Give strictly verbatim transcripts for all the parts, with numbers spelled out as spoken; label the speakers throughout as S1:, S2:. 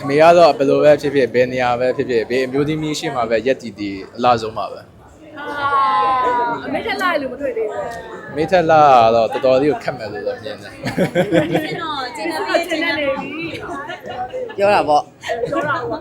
S1: အမေကတော့ဘယ်လိုပဲဖြစ်ဖြစ်ဘယ်နေရာပဲဖြစ်ဖြစ်ဘေးအမျိုးသမီးရှိမှပဲရက်တည်တည်အလားဆုံးပါပဲ
S2: အမေထက်လာလို့မတွေ့သေးဘူး
S1: အမေထက်လာတော့တော်တော်လေးကိုခက်မယ်လို့တော့မြင်တယ်
S2: ကျွန်တော်ကျင်းနေကျင်းနေပြီ
S3: ပြောတာပေါ့
S2: ပြောတာပေါ့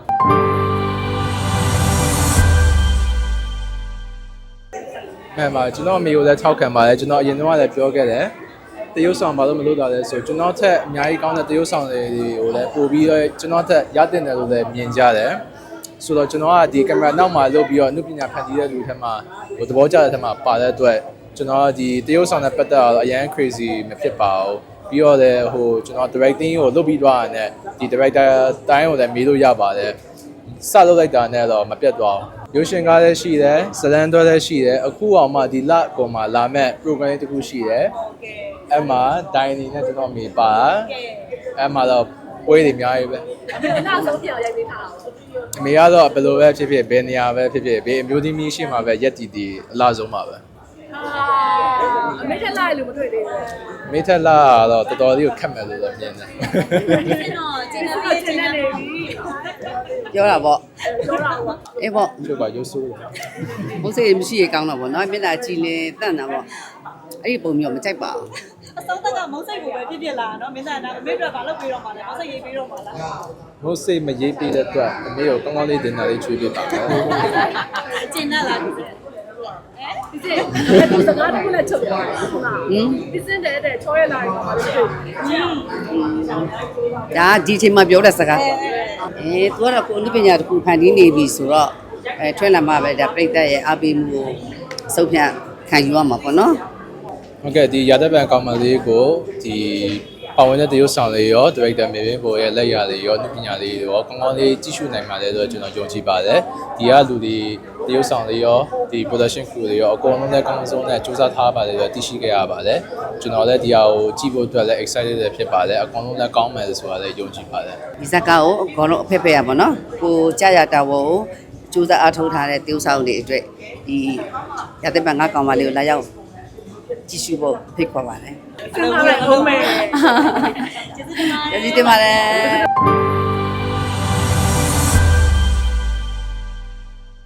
S1: မှန်ပါကျွန်တော်အမေကိုလည်းထောက်ခံပါတယ်ကျွန်တော်အရင်တော့လည်းပြောခဲ့တယ်တရုတ်ဆောင်ဘာလို့မလုပ်တာလဲဆိုကျွန်တော်ထက်အများကြီးကောင်းတဲ့တရုတ်ဆောင်တွေကိုလည်းပို့ပြီးတော့ကျွန်တော်ထက်ရတင်တယ်လို့လည်းမြင်ကြတယ်ဆိုတော့ကျွန်တော်ကဒီကင်မရာနောက်မှာလုပ်ပြီးတော့အနုပညာဖန်တီးတဲ့လူထက်မှာဟိုသဘောကျတဲ့ထက်မှာပါတဲ့အတွက်ကျွန်တော်ဒီတရုတ်ဆောင်နဲ့ပတ်သက်တော့အရန် crazy မဖြစ်ပါဘူးပြီးတော့လည်းဟိုကျွန်တော် directing ကိုလုပ်ပြီးသွားတာနဲ့ဒီ director တိုင်းကိုလည်းမေးလို့ရပါတယ်စလုပ်လိုက်တာနဲ့တော့မပြတ်သွားဘူးရုပ်ရှင်ကားလည်းရှိတယ်ဇလန်တွဲလည်းရှိတယ်အခုအောင်မှဒီလကောင်မှလာမဲ့ program တစ်ခုရှိတယ်အဲ့မှာ dining နဲ့ကျွန်တော်မိပါအဲ့မှာတော့ပွဲတွေအများကြီးပဲ
S2: အနောက်ဆုံးပြောင်းရိုက်ပေးထား
S1: အမေကတော့ဘယ်လိုပဲဖြစ်ဖြစ်ဘယ်နေရာပဲဖြစ်ဖြစ်ဘေးအမျိုးသမီးရှိမှပဲရက်တည်တည်အလားဆုံးပါပဲ
S2: အမေထက်လာလို့မတွေ့သေးဘူး
S1: အမေထက်လာတော့တော်တော်လေးကိုခက်မယ်လို့တော့မြင်တယ်
S2: ကျွန်တော်ကျင်းနေကျင်းနေပြီ
S3: ပြောတာပေါ့
S2: ပြောတာပေါ့
S3: အေးပေါ့
S1: ကျုပ်ကရုပ်ဆိုးတယ်
S3: ဘုစိမရှိရကောင်းတော့ပေါ့နော်မျက်နှာကြည်လင်တန့်တာပေါ့အဲ့ဒီပုံမျိုးမကြိုက်ပါဘူး
S2: အဆုံးသက်ကမုန်းစိတ်ကိုပဲပြပြလာနော်မင်းသားနာအမေတို့ကဘာလုပ်ပြီးတော့မှလဲမုန်းစိတ်ရေးပြီးတော့မှလား
S1: မုန်းစိတ်မရေးပြီးတဲ့အတွက်အမေကိုကောင်းကောင်းလေးတင်တာလေးချွေးပြပါမယ်
S2: ကျင်းလာလားဒီစစ်ဒီစစ်ဒီစကားတခုလည်းချုပ်သွားတယ်ဟုတ်လားဟင်ဒီစစ်တဲ့တဲ့ချောရလာရင်တော့မလို့ဟင်း
S3: ဒါဒီချိန်မှာပြောတဲ့စကားအဲသူကတော့ကိုအနုပညာတစ်ခုဖန်တီးနေပြီဆိုတော့အဲထွက်လာမှပဲဒါပြိတ္တရဲ့အားပေးမှုကိုစုပ်ဖြတ်ခံယူရမှာပေါ့နော်
S1: ဟုတ်ကဲ့ဒီရာသက်ပံကောင်မလေးကိုဒီပါဝင်တဲ့တရုတ်ဆောင်လေးရော director မြေပြင်ပေါ်ရဲ့လက်ရာလေးရောပညာလေးရောကောင်းကောင်းလေးကြည့်ရှုနိုင်ပါလေဆိုတော့ကျွန်တော်ယုံကြည်ပါတယ်ဒီကလူတွေတရုတ်ဆောင်လေးရောဒီ production crew တွေရောအကုန်လုံးလည်းကောင်းဆုံးနဲ့စူးစမ်းထားပါတယ်ဆိုတော့သိရှိခဲ့ရပါတယ်ကျွန်တော်လည်းဒီဟာကိုကြည့်ဖို့အတွက်လည်း excited ဖြစ်ပါတယ်အကုန်လုံးလည်းကောင်းမယ်ဆိုတာလည်းယုံကြည်ပါတယ်
S3: ဒီဇာတ်ကားကိုအကုန်လုံးအဖက်ဖက်ရပါတော့ကိုကြာရတာဘောကိုစူးစမ်းအားထုတ်ထားတဲ့တရုတ်ဆောင်တွေအတွက်ဒီရာသက်ပံငါကောင်မလေးကိုလာရောက်ကြည့်ရှုဖို့ဖိတ်ခေါ်ပါတယ်
S2: ကျေးဇူးတင်ပါတယ်
S3: ကျေးဇူးတင်ပါတယ်